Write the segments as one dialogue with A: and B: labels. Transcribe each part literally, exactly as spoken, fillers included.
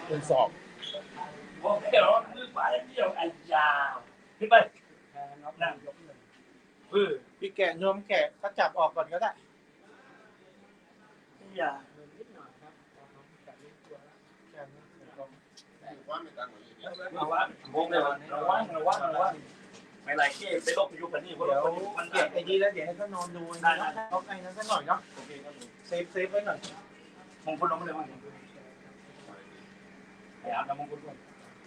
A: เป็นสอบ
B: โอเคเหรอมือไปเดี่ยวไอ้ยาขึ้นไปนั่งยกเลยเออ
A: พี่แกะนวมแกะก็จับออกก่อนก็ได้
B: อย่า
A: นิดหน่อยครับแกะนิดตัวแกะนิดเดียว
B: ว่าไม่ตั้งระวังโมงเลยระวังระวังระวังไม่ไรเก้ไปลบอยู่กันนี่เพราะเรามัน
A: แกะไอ้ดีแล้วเดี๋ยวให้เขานอนดูนะเขาไอ้นั้นสักหน่อยเนาะ
B: โอเคครับผม
A: เซฟเซฟไว้หน่อย
B: มงคลลงมาเลยมั้งไอ้อาบน้ำมงคลก่อน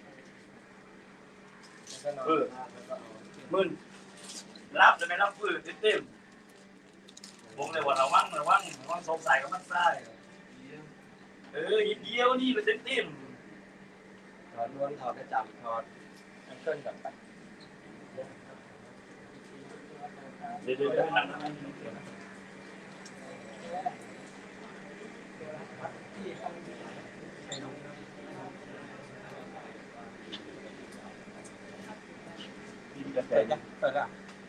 B: เออมึนรับจะไม่รับฟื้นเต็มๆผมเลยว่าระวังระวังระวังสงสัยกับมันใส่เออยิบเยี่ยวนี่เป็นเต็ม
A: ถอดล้วนถอดกระจับถอดแองเกิลก่อนไป
B: เดี๋ยวเดี๋ยวนั่ง
A: เปิดจ้ะเปิดอ่ะ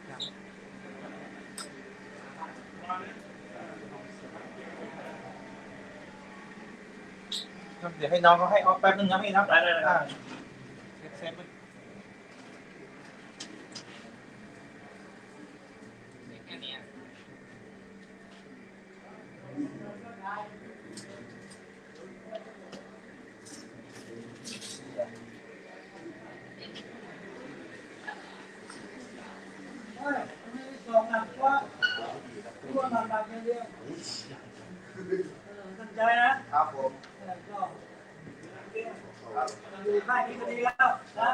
A: เดี๋ยวให้น้องเขาให้ออกแป๊บนึงนะพี่นะ
B: ได้ได้ได้
A: เซฟแค่นี้
B: ตั้งใจนะครับ
A: ผม
B: อยู่ค่ายนี้ก็ดีแล้วนะ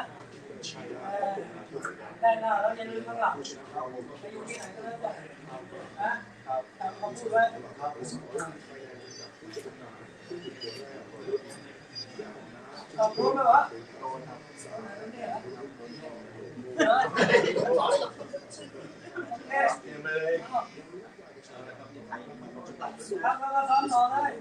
B: ได้หน้าแล้วอย่าลืมข้างหลังไปอยู่ที่ไหนก็แล้วแต่นะตามคำพูดไว้ขอบคุณไหมวะครับแล้วก็ซ้อมต่อเลย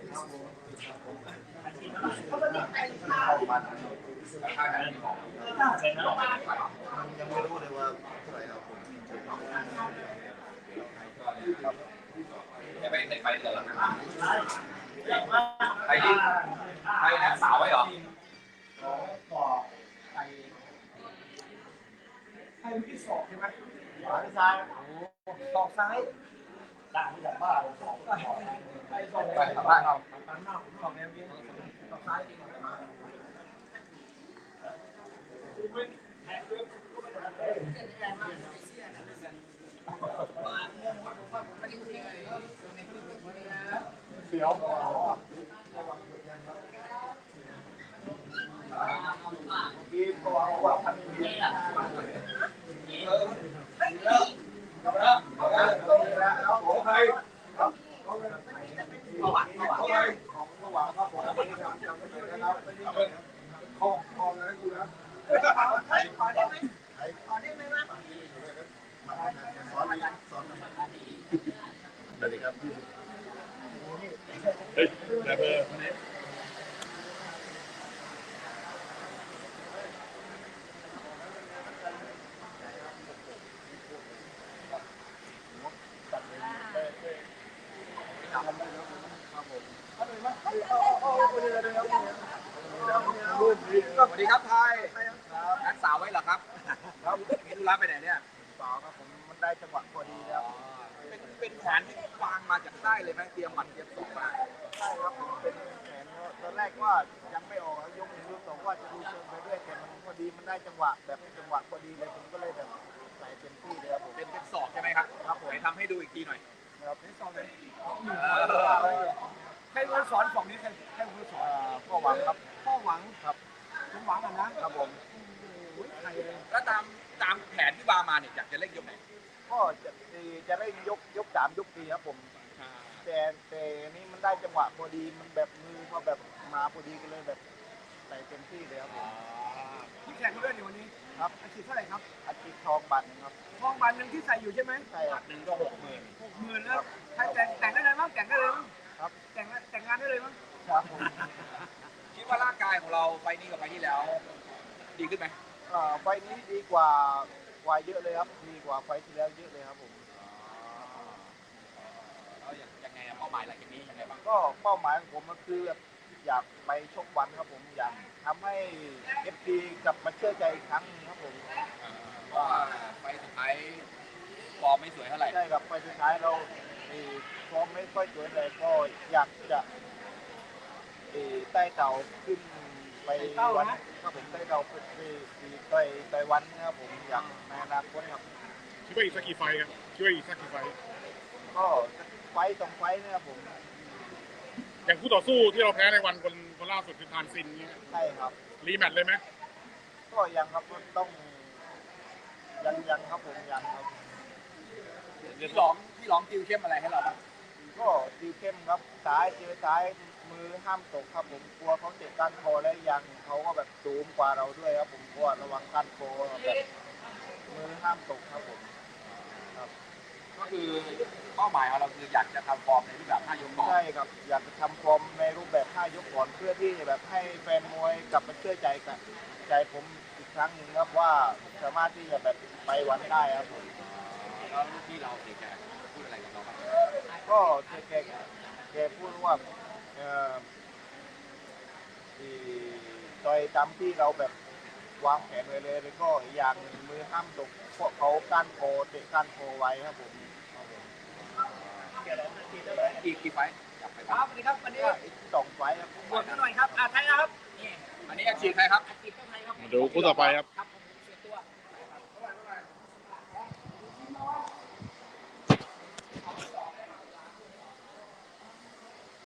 C: ยังไม่รู้เลยว่าเท่าไหร่ครับผม
D: จะไปในไฟเดือดแล้วนะใครดิใครนักสาวไว้เหรอ
A: ใครเป็นที่สอบใช่ไหมขวาหรือซ้ายสอบซ้าย
B: ต่างจากบ้านสองก็
A: ไปสอบ
D: ไปบ้านเรา
A: บ้านนอกสอบแนวนี้สอบซ้ายเสียวกีบตัวว่าพันนี้เออแล้วแล้วแล้วของใครของใครของระหว่างครับผมไม่ได้ทำจำไม่ได้นะครับของของอะไรกูนะ
B: ขอได้ไหมขอได้ไหมวะ
C: สอนสอนสวัสดีครับเฮ้ยแบบเบอร์
D: สวัสดีครับไทยนักสาวไว้เหรอครับครับมีธุระไปไหนเนี่ย
A: สาวครับผมมันได้จังหวะพอดีแล้ว
D: เป็นเป็นแผนที่วางมาจากใต้เลยไหมเตรียมหมัดเตรียมศอกมา
A: ใช่ครับผมเป็นแผนตอนแรกว่ายังไม่ออกยกหนึ่งยกสองว่าจะดูเชิงไปเรื่อยแต่มันพอดีมันได้จังหวะแบบจังหวะพอดีเลยผมก็เลยแบบใส่เต็มที่เลยครับผม
D: เป็นเป็นศอกใช่ไหมครับ
A: ครับผม
D: ไหนทำให้ดูอีกทีหน่อย
A: ครับเป็นศอกเลย
B: ใครเป็นสอนฝั่งนี้ใครใครเป็นสอน
A: พ่อหวังครับ
B: พ่อหวัง
A: ครับ
B: ผมหวังกันนะครับ
A: ผม
D: แล้วตามตามแผนที่วางมาเนี่ยอยากจะเล่นยกไหน
A: ก็จะจะได้ยกยกสามยกสี่ครับผมแต่แต่นี่มันได้จังหวะพอดีมันแบบมือเขาแบบมาพอดีกันเลยแบบใส่เต็มที่เลยครับผม
B: ที่แข่งเรื่องอยู่วันนี้
A: ครับ
B: อาชีพเท่าไหร่ครับ
A: อาชีพทองบัตรครับ
B: ทองบัตรหนึ่งที่ใส่อยู่ใช่ไหม
A: ใช่ครับ
D: หนึ่งก็หกหมื่น
B: หกหมื่นแล้วใครแต่งแต่งได้เลยมั้งแต่งได้เลยมั้ง
A: ครับ
B: แต่งแต่งงานได้เลยมั้ง
A: ครับ
D: คิดว่าร่างกายของเราไฟนี้กับไฟที่แล้วดีขึ้นไหม
A: ไฟนี้ดีกว่ากว่าเยอะเลยครับดีกว่าไฟที่แล้วเยอะเลยครับผม
D: แล้วยังไงเป้าหมายหลังจากนี้ยังไงบ้าง
A: ก็เป้าหมายของผมมันคือแบบอยากไปชกวันครับผมอยากทำให้เอฟซีกลับมาเชื่อใจอีกครั้งหนึ่งครับผม
D: เพราะว่าไฟสุดท้ายฟอร์มไม่สวยเท่าไหร่
A: ใช่ครับไปสุดท้ายเราเอ่อฟอร์มไม่ค่อยสวยเลยก็อยากจะเอ่อใต้เต่าขึ้นไปวันครับผมใต้เต่าขึ้นไปไปไปวันนะครับผมอยากในอนาคตครับ
C: คิดว่าอีกสักกี่ไฟครับคิดว่าอีกสักกี่ไฟ
A: ก็ไฟต์สองไฟต์นะครับผม
C: อย่างคู่ต่อสู้ที่เราแพ้ในวันคนคนล่าสุดคือทานซินเนี่ย
A: ใช่ครับ
C: รีแมตช์เลยไหม
A: ก็ยังครับต้องยังยังครับผมยังครับ
D: พี่หลองพี่หลองติวเข้มอะไรให้เราบ้าง
A: ก็ดีเข้มครับซ้ายเจอซ้ายมือห้ามตกครับผมกลัวเขาเตะก้านคอและยังเขาก็แบบสูงกว่าเราด้วยครับผมกลัวระวังก้านคอแบบมือห้ามตกครับผมครับ
D: ก็คือเป้าหมายของเราคืออยากจะทำฟอร์มในรูปแบบห้ายกก่อน
A: ใช่ครับอยากจะทำฟอร์มในรูปแบบห้ายกก่อนเพื่อที่จะแบบให้แฟนมวยกลับมาเชื่อใจกันใจผมอีกครั้งหนึ่งครับว่าสามารถที่จะแบบไปวันได้ครับผม
D: แล้วลูกพี่เราเด็กแกพูดอะไรกับเราบ้าง
A: ก็แกแกแกพูดว่าเอ่อที่ต่อยตามที่เราแบบวางแผนไว้เลยแล้วก็อีกอย่างหนึ่งมือห้ามตกเพราะเขาก้านคอเตะก้านคอไว้ครับผมครับผม
D: กี่กี่ไฟท์อยากไป
E: ค
D: บ้า
E: รั
D: ง
E: บสวัสดีครับวันนี้
A: ก็อีกสองไฟล์ครับ
E: บวชหน่อยครับอ่าไทยนะครับนี่
D: อันนี้อาชีพใครครับ
E: อาชีพไทยครับ
C: มาดูคู่ต่อไปครับ
E: ครับผ